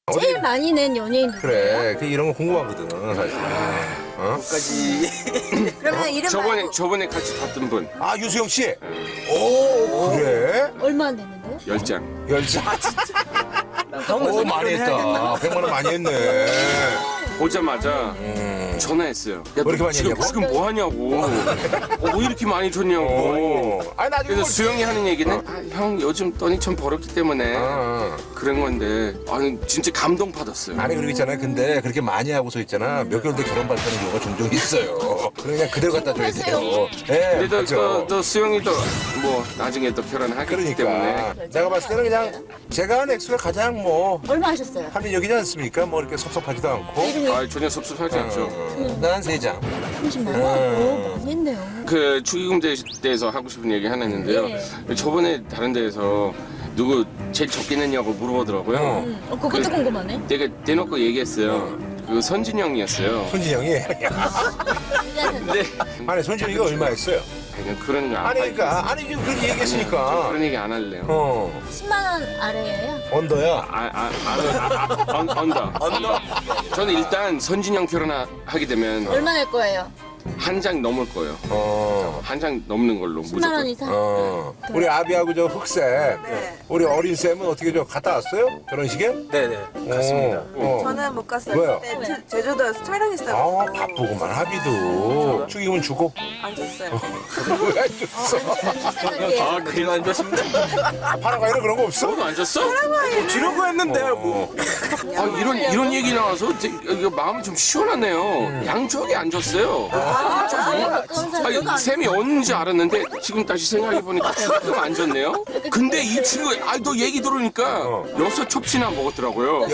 제일 많이 낸 연예인 누구예요? 그래, 그 이런 거 궁금하거든, 사실. 어? 까지. 그러면 이름 말고 저번에 같이 탔던 분 아, 유수영 씨? 오, 그래? 얼마 냈는데요? 10장. 열자. 오, 오, 많이 했다. 100만 원 많이 했네. 보자마자 전화했어요. 야, 왜 이렇게 너 많이 지금, 했냐고? 지금 뭐 하냐고. 왜 이렇게 많이 줬냐고. 오. 아니, 나중에. 그래서 뭐- 수영이 하는 얘기는 형 요즘 돈이 좀 벌었기 때문에 어. 그런 건데 아니 진짜 감동 받았어요. 아니, 그러고 있잖아요. 근데 그렇게 많이 하고서 있잖아. 몇 개월 뒤에 결혼 받는 경우가 종종 있어요. 그냥 그대로 갖다 줘야 돼요. 예, 근데 맞죠. 또 수영이도 뭐 나중에 또 결혼하기 때문에 그러니까. 내가 봤을 때는 그냥 제가 한 액수가 가장 뭐 얼마 하셨어요? 합리적이지 않습니까? 뭐 이렇게 섭섭하지도 않고. 아 전혀 섭섭하지 않죠. 난 3장. 30만 원? 오, 많이 했네요. 그 축의금 대해서 하고 싶은 얘기 하나 있는데요. 저번에 다른 데에서 누구 제일 적게 냈냐고 물어보더라고요. 그것도 궁금하네. 내가 대놓고 얘기했어요. 그 선진 형이었어요. 손진영이. 근데 아니, 손진영이가 얼마 했어요? 그냥 그런 거 아니, 그러니까. 아니, 지금 그렇게 저 얘기했으니까. 그런 얘기 안 할래요. 10만 원 아래예요? 언더야. 언더. 저는 일단 선진형 결혼하게 되면 얼마 낼 거예요? 한 장 넘을 거예요. 한 장 넘는 걸로 10만 무조건. 원 이상? 우리 아비하고 저 흑쌤. 네. 우리 어린 쌤은 어떻게 저 갔다 왔어요? 결혼식에? 네네. 갔습니다. 저는 못 갔어요. 왜요? 그때 제주도에서 촬영했어요. 아, 바쁘구만. 아비도. 축의금은 주고. 안 줬어요. 왜 안 줬어? 아 그래도 안 줬습니다. 파라과이는 그런 거 없어? 너도 안 줬어? 주려고 했는데 뭐. 아 이런 얘기 나와서 이거 마음이 좀 시원하네요. 양쪽이 안 줬어요. 아니, 쌤이 언제 알았는데 지금 다시 생각해 보니까 조금 안 줬네요. 근데 이 친구 너 얘기 들으니까 6첩치나 먹었더라고요.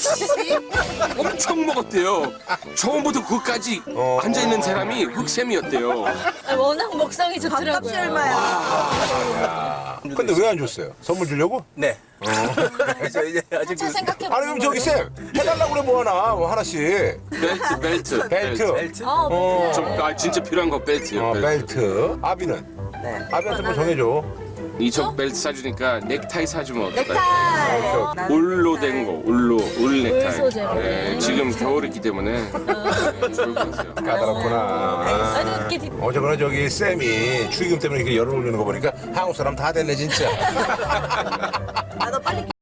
엄청 먹었대요. 처음부터 그까지 앉아 있는 사람이 흑쌤이었대요. 워낙 먹성이 밥값이 좋더라고요. 얼마야? 근데 왜 안 줬어요? 선물 주려고? 네. 그래서 이제 아직 한참 생각해보면 아니, 그럼 저기 쌤, 해달라고 그래, 뭐 하나, 뭐 하나씩. 벨트. 벨트. 진짜 필요한 거 벨트요. 벨트. 아비는? 네. 아비한테 뭐 정해줘. 이쪽 벨트 사주니까 넥타이 사주면 어떨까요? 넥타이. 나는 울로 된 거, 울 넥타이. 소재로. 네, 지금 겨울이기 때문에 좋을 것 같아요. 까다롭구나. 아니, 이렇게 어쨌거나 저기 쌤이 축의금 때문에 이렇게 열을 올리는 거 보니까 한국 사람 다 됐네, 진짜. 나도 빨리